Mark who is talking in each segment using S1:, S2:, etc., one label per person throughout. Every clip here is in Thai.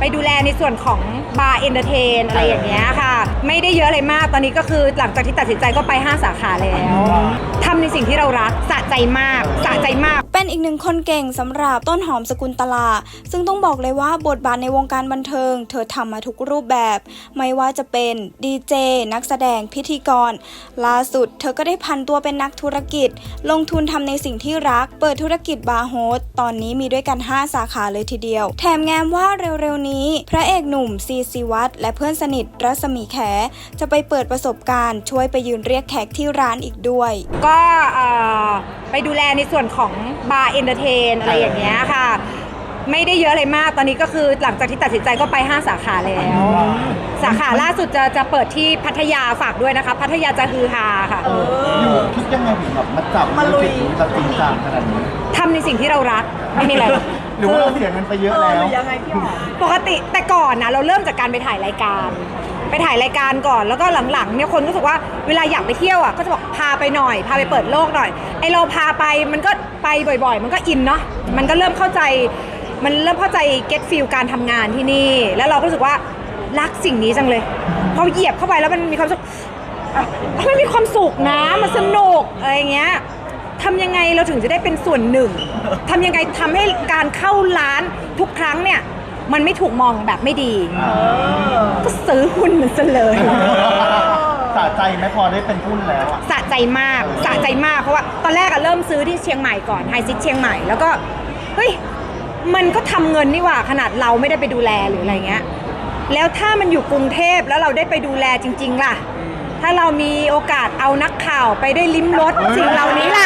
S1: ไปดูแลในส่วนของบาร์เอนเตอร์เทนอะไรอย่างเงี้ยค่ะไม่ได้เยอะอะไรมากตอนนี้ก็คือหลังจากที่ตัดสินใจก็ไป5 สาขาแล้วทำในสิ่งที่เรารักสะใจมาก
S2: เป็นอีกหนึ่งคนเก่งสำหรับต้นหอมสกุลตลาซึ่งต้องบอกเลยว่าบทบาทในวงการบันเทิงเธอทำมาทุกรูปแบบไม่ว่าจะเป็นดีเจนักแสดงพิธีกรล่าสุดเธอก็ได้พันตัวเป็นนักธุรกิจลงทุนทำในสิ่งที่รักเปิดธุรกิจบาร์โฮสตอนนี้มีด้วยกัน5 สาขาเลยทีเดียวแถมแง้มว่าเร็วๆนี้พระเอกหนุ่มซีซีวัฒน์และเพื่อนสนิทรัศมีแขจะไปเปิดประสบการณ์ช่วยไปยืนเรียกแขกที่ร้านอีกด้วย
S1: ก็ไปดูแลในส่วนของบาร์เอนเตอร์เทนอะไรอย่างเงี้ยค่ะไม่ได้เยอะอะไรมากตอนนี้ก็คือหลังจากที่ตัดสินใจก็ไป5 สาขาแล้วสาขาล่าสุดจะเปิดที่พัทยาฝากด้วยนะคะพัทยาจะฮือฮาค่ะ
S3: อยู่คิดยังไงถึงแบบมาจับมาลุยแบบจริงจังขนาดนี้
S1: ทำในสิ่งที่เรารักไม่มีอะไร
S3: หรือว่าเราเสียเงินไปเยอะแล้ว
S4: ยังไงพี่หอม
S1: ปกติแต่ก่อนนะเราเริ่มจากการไปถ่ายรายการก่อนแล้วก็หลังๆเนี่ยคนรู้สึกว่าเวลาอยากไปเที่ยวอ่ะก็จะบอกพาไปหน่อยพาไปเปิดโลกหน่อยไอเราพาไปมันก็ไปบ่อยๆมันก็อินเนาะมันก็เริ่มเข้าใจเก็ตฟีลการทำงานที่นี่แล้วเราก็รู้สึกว่ารักสิ่งนี้จังเลยพอเหยียบเข้าไปแล้วมันมีความสุขมันมีความสุขนะมันสนุกอะไรเงี้ยทำยังไงเราถึงจะได้เป็นส่วนหนึ่งทำยังไงทำให้การเข้าร้านทุกครั้งเนี่ยมันไม่ถูกมองแบบไม่ดีก็ซื้อหุ้นมันซะเลย
S3: สะใจไหมพอได้เป็นหุ้นแล้ว
S1: สะใจมากเพราะว่าตอนแรกเริ่มซื้อที่เชียงใหม่ก่อนไฮซิทเชียงใหม่แล้วก็เฮ้ยมันก็ทำเงินนี่หว่าขนาดเราไม่ได้ไปดูแลหรืออะไรเงี้ยแล้วถ้ามันอยู่กรุงเทพแล้วเราได้ไปดูแลจริงๆล่ะถ้าเรามีโอกาสเอานักข่าวไปได้ลิ้มรสสิ่งเหล่านี้ล่ะ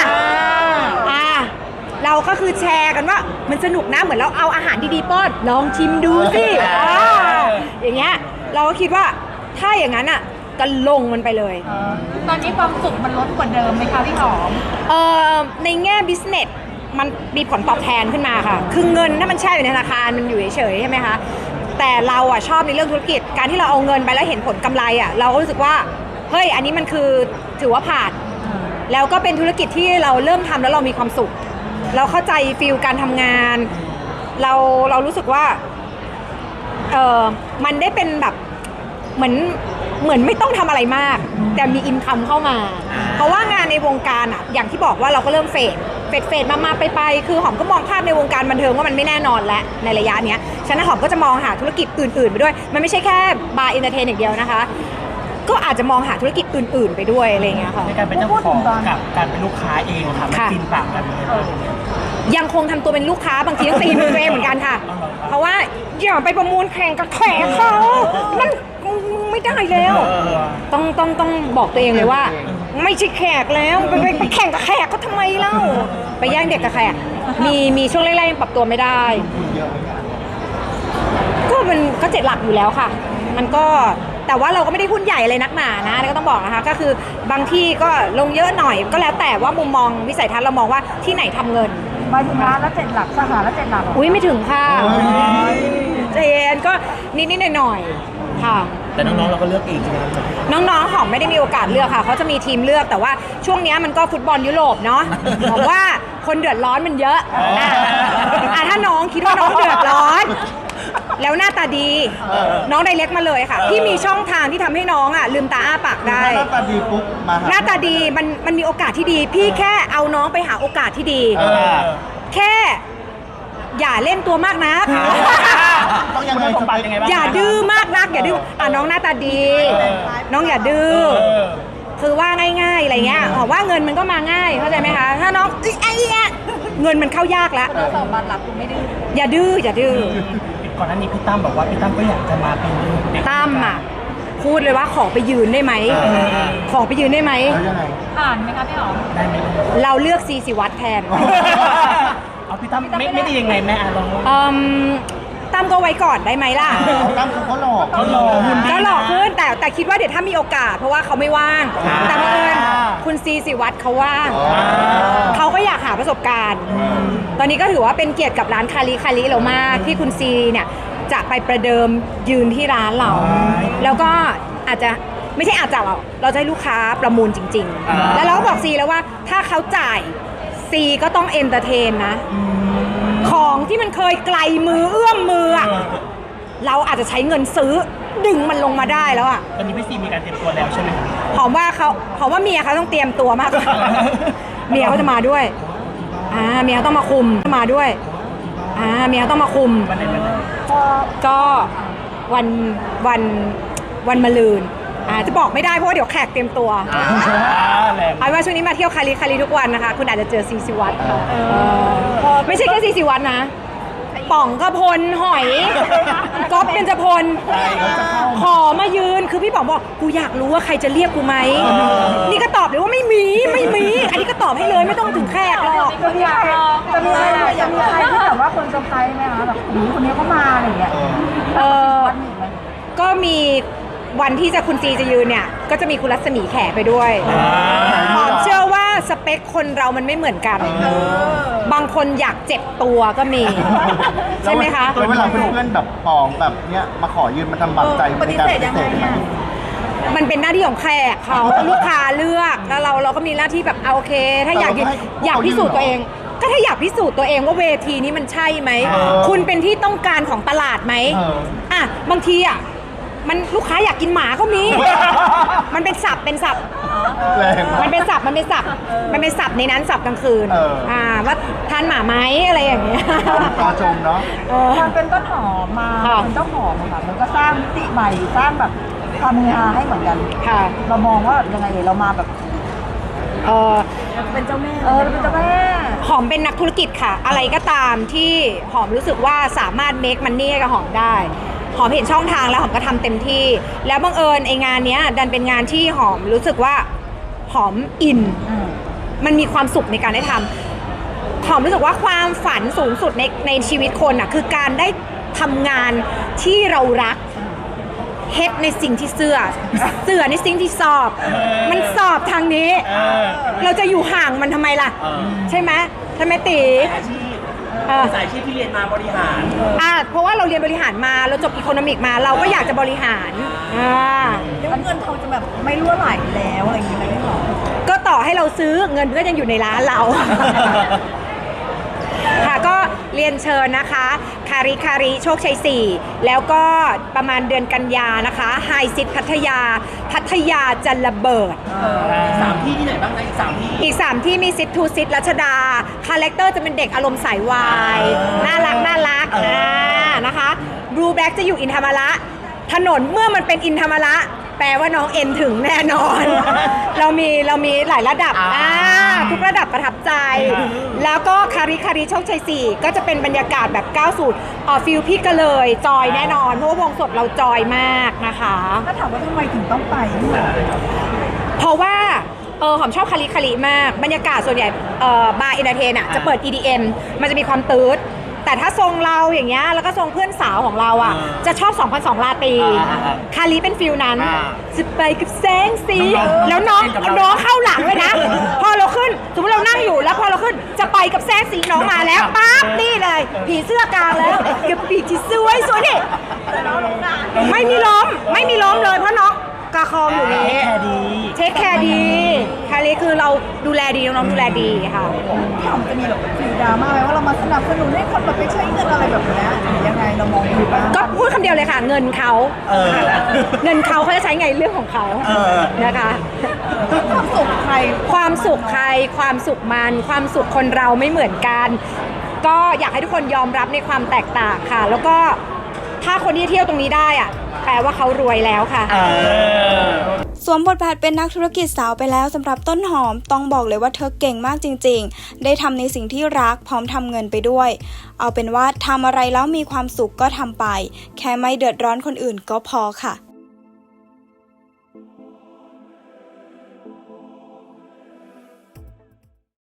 S1: เราก็คือแชร์กันว่ามันสนุกนะเหมือนเราเอาอาหารดีๆป้อนลองชิมดูสิอย่างเงี้ยเราก็คิดว่าถ้าอย่างนั้นอ่ะก็ลงมันไปเลย
S4: ตอนนี้ความสุขมันลดกว่าเดิมไหมคะพี่หอม
S1: ในแง่บิสเนสมันมีผลตอบแทนขึ้นมาค่ะคือเงินถ้ามันแช่อยู่ในธนาคารมันอยู่เฉยๆใช่ไหมคะแต่เราอ่ะชอบในเรื่องธุรกิจการที่เราเอาเงินไปแล้วเห็นผลกำไรอ่ะเราก็รู้สึกว่าเฮ้ยอันนี้มันคือถือว่าผ่านแล้วก็เป็นธุรกิจที่เราเริ่มทำแล้วเรามีความสุขเราเข้าใจฟีลการทำงานเรารู้สึกว่ามันได้เป็นแบบเหมือนไม่ต้องทำอะไรมากแต่มีอินคัมเข้ามาเพราะว่างานในวงการอ่ะอย่างที่บอกว่าเราก็เริ่มเฟดมาไปคือหอมก็มองภาพในวงการบันเทิงว่ามันไม่แน่นอนแล้วในระยะเนี้ยฉะนั้นหอมก็จะมองหาธุรกิจอื่นๆไปด้วยมันไม่ใช่แค่บาร์เอนเตอร์เทนอย่างเดียวนะคะก็อาจจะมองหาธุรกิจอื่นๆไปด้วยอะไรเงี้ยค่ะ
S5: ในการเป็นเจ้าของกับการเป็นลูกค้าเองค่ะมันกินต่างกัน
S1: ยังคงทำตัวเป็นลูกค้าบางทีต้องตีมือตัวเองเหมือนกันค่ะเพราะว่าอย่าไปประมูลแข่งกับแขกเขามันไม่ได้แล้วต้องบอกตัวเองเลยว่าไม่ใช่แขกแล้วไปแข่งกับแขกเขาทำไมเล่าไปแย่งเด็กกับแขกมีช่วงแรกๆยังปรับตัวไม่ได้ก็มันก็7 หลักอยู่แล้วค่ะมันก็แต่ว่าเราก็ไม่ได้หุ้นใหญ่เลยนักหนานะแล้วก็ต้องบอกนะคะก็คือบางที่ก็ลงเยอะหน่อยก็แล้วแต่ว่ามุมมองวิสัยทัศน์เรามองว่าที่ไหนทำเงิน
S4: หมายถึงร้านละ7 หลักสาขาละ7 หลัก
S1: อุ้ยไม่ถึงค่ะเจนก็นิดๆหน่อยๆค่ะ
S5: แต่น้องๆเราก็เลือกเองใช่ไหม
S1: น้องๆหอมไม่ได้มีโอกาสเลือกค่ะเขาจะมีทีมเลือกแต่ว่าช่วงนี้มันก็ฟุตบอลยุโรปเนาะบอกว่าคนเดือดร้อนมันเยอะถ้าน้องคิดว่าน้องเดือดร้อนแล้วหน้าตาดีน้องไดเรกมาเลยค่ะที่มีช่องทางที่ทำให้น้องลืมตาอ้าปากได้
S3: หน้าตาดีปุ๊บมา
S1: หน้าตาดีมันมีโอกาสที่ดีพี่แค่เอาน้องไปหาโอกาสที่ดีแค่อย่าเล่นตัวมากนัก
S3: ต้องยังไง
S1: อย่าดื้อมากนักอย่าดื้อน้องหน้าตาดีน้องอย่าดื้อคือว่าง่ายๆอะไรเงี้ยว่าเงินมันก็มาง่ายเข้าใจไหมคะถ้าน้องเงินมันเข้ายากแล้ว
S4: สอบบัตรหลักคุณไม่ดื้อ
S1: อย่าดื้อ
S5: ก่อนหน้านี้พี่ตั้มบอกว่าพี่ตั้มก็อยากจะมาเป็นเด็ก
S1: ตั้มพูดเลยว่าขอไปยืนได้ไหมขอไปยืนได้ไหม
S4: ผ่านไหมคะพี่หอม
S5: ได้ไหม
S1: เราเลือกซีวัฒน์แทน
S5: เอาพี่ตั้มไม่ได้ยังไงแม่ลอง
S1: ตั้มก็ไว้ก่อนได้ไหมล่ะ
S3: ตั้มเขาหลอก
S1: ขึ้นแต่คิดว่าเดี๋ยวถ้ามีโอกาสเพราะว่าเขาไม่ว่างแต่บังเอิญคุณซีวัฒน์เขาว่างเขาก็อยากหาประสบการณ์ตอนนี้ก็ถือว่าเป็นเกียรติกับร้านคาริเรามากที่คุณซีเนี่ยจะไปประเดิมยืนที่ร้านเราแล้วก็อาจจะไม่ใช่อาจจะเราจะให้ลูกค้าประมูลจริงๆแล้วเราก็บอกซีแล้วว่าถ้าเขาจ่ายซีก็ต้องเอนเตอร์เทนนะของที่มันเคยไกลมือเอื้อมมือเราอาจจะใช้เงินซื้อดึงมันลงมาได้แล้วอ่ะ
S5: ตอนนี้พี่ซีมีการเตรียมตัวแล้วใช่ไหมครับ
S1: หอมว่าเมียเขาต้องเตรียมตัวมากกว่า เมียเขาจะมาด้วยเมียเขาต้องมาคุมมาด้วยเมียเขาต้องมาคุม
S5: วันไหน
S1: ก็วันมะรืนจะบอกไม่ได้เพราะว่าเดี๋ยวแขกเตรียมตัว
S5: แรง
S1: เอาว่าช่วงนี้มาเที่ยวคาริทุกวันนะคะคุณอาจจะเจอซีซีวัตค่ะไม่ใช่แค่ซีซีวัตนะป๋องกระพลหอยก๊อฟเป็นจพลขอมายืนคือพี่ป๋องบอกกูอยากรู้ว่าใครจะเรียกกูไหมนี่ก็ตอบเลยว่าไม่มีอันนี้ก็ตอบให้เลยไม่ต้องถึงแขกหรอก
S4: จะมีใครที่แบบว่าคนเซอร์ไพรส์ไหมคะแบบคนนี้เขามาอะไรอย่างเงี้ย วันนี้ไหม
S1: ก็มีวันที่คุณซีจะยืนเนี่ยก็จะมีคุณรัศมีแขไปด้วยหอมเชื่อว่าสเปคคนเรามันไม่เหมือนกันบางคนอยากเจ็บตัวก็มี ใช่ไหมคะ
S3: แล้วเวลาเพื่อนๆแบบปองแบบเนี้ยมาขอยืนมาทำบัตรใจในการปฏิเสธไหม
S1: มันเป็นหน้าที่ของแขกเขาลูกค้าเลือกแล้วเราก็มีหน้าที่แบบเอาโอเค ถ้าอยากพิสูจน์ตัวเอง ก็ถ้าอยากพิสูจน์ตัวเองว่าเวทีนี้มันใช่ไหมคุณเป็นที่ต้องการของตลาดไหมบางทีมันลูกค้าอยากกินหมาก็มี มันเป็นศัพท์
S3: แรงมาก
S1: มันเป็นศัพท์ในนั้นศัพท์กลางคืนว่าทานหมาไหมอะไรอย่างเงี้ย
S3: ตาชมเนาะ
S4: มันเป็นต้นหอมมาเป็นเจ้าหอมอะค่ะมันก็สร้างมิติใหม่สร้างแบบความเฮฮาให้เหมือนกัน
S1: ค่ะ
S4: เรามองว่ายังไงเรามาแบบเป็นเจ้าแม่เป็นเจ้าแม่
S1: หอมเป็นนักธุรกิจค่ะ อะไรก็ตามที่หอมรู้สึกว่าสามารถ make money กับหอมได้หอมเห็นช่องทางแล้วหอมก็ทำเต็มที่แล้วบังเอิญไองานเนี้ยดันเป็นงานที่หอมรู้สึกว่าหอมอินมันมีความสุขในการได้ทำหอมรู้สึกว่าความฝันสูงสุดในชีวิตคนคือการได้ทำงานที่เรารักเฮ็ดในสิ่งที่เสือในสิ่งที่สอบมันสอบทางนี้เราจะอยู่ห่างมันทำไมล่ะใช่ไหมทำไมตี
S5: สายอาชีพที่เรียนมาบริหาร
S1: เพราะว่าเราเรียนบริหารมาเราจบอีโคโนมิกมาเราก็อยากจะบริหาร
S4: แล้วเงินเขาจะแบบไม่รั่วไหลแล้วอะไรอย่างเงี้ยไม่หรอ
S1: ก็ต่อให้เราซื้อเงินก็ยังอยู่ในร้านเรา ค่ะก็เรียนเชิญนะคะคาริโชคชัย4แล้วก็ประมาณเดือนกันยานะคะไฮซิตพัทยาจะระเบิด
S5: 3 ที่ที่ไหนบ้างนะอีก 3 ที่
S1: มีซิตทูซิตรัชดาคาแรคเตอร์จะเป็นเด็กอารมณ์สายวายน่ารักนะคะบลูแบล็กจะอยู่อินธรรมระถนนเมื่อมันเป็นอินธรรมระแปลว่าน้องเอ็นถึงแน่นอน เรามีหลายระดับทุกระดับประทับใจ แล้วก็คาริโชคชัย4ก็จะเป็นบรรยากาศแบบ90ฟิลพี่ก็เลยจอยแน่นอนเพราะว่าวงสดเราจอยมากนะคะ
S4: ถ้าถามว่าทำไมถึงต้องไป
S1: เพราะว่าหอมชอบคาริมากบรรยากาศส่วนใหญ่บาร์เอนเตอร์เทนจะเปิด EDM มันจะมีความตืดแต่ถ้าทรงเราอย่างเงี้ยแล้วก็ทรงเพื่อนสาวของเราจะชอบ2002ลาตีคาริเป็นฟิลนั้นจะไปกับแสงสีแล้วน้องเข้าหลังเลยนะพอเราขึ้นสมมติเรานั่งอยู่แล้วพอเราขึ้นจะไปกับแสงสีน้องมาแล้วปั๊บนี่เลยผีเสื้อกลางแล้วกับปีกที่สวยนี่ไม่มีล้มเลยเพราะน้องกาคองอยู่นี่เทคแคร์ดีคาริคือเราดูแลดีน้องๆดูแลดีค่ะ
S4: พี่หอมจะมีแบบฟิลดราม่าไหมว่าเรามาสนับสนุนให้คนแบบไปใช้เงินอะไรแบบนี้หรือยังไงเรามองดูบ้าง
S1: ก็พูดคำเดียวเลยค่ะเงินเขาจะใช้ไงเรื่องของเขานะคะ
S4: ความสุขใคร
S1: ความสุขมันความสุขคนเราไม่เหมือนกันก็อยากให้ทุกคนยอมรับในความแตกต่างค่ะแล้วก็ถ้าคนที่เที่ยวตรงนี้ได้แปลว่าเขารวยแล้วค่ะ
S2: สวมบทบาทเป็นนักธุรกิจสาวไปแล้วสำหรับต้นหอมต้องบอกเลยว่าเธอเก่งมากจริงๆได้ทำในสิ่งที่รักพร้อมทำเงินไปด้วยเอาเป็นว่าทำอะไรแล้วมีความสุขก็ทำไปแค่ไม่เดือดร้อนคนอื่นก็พอค่ะ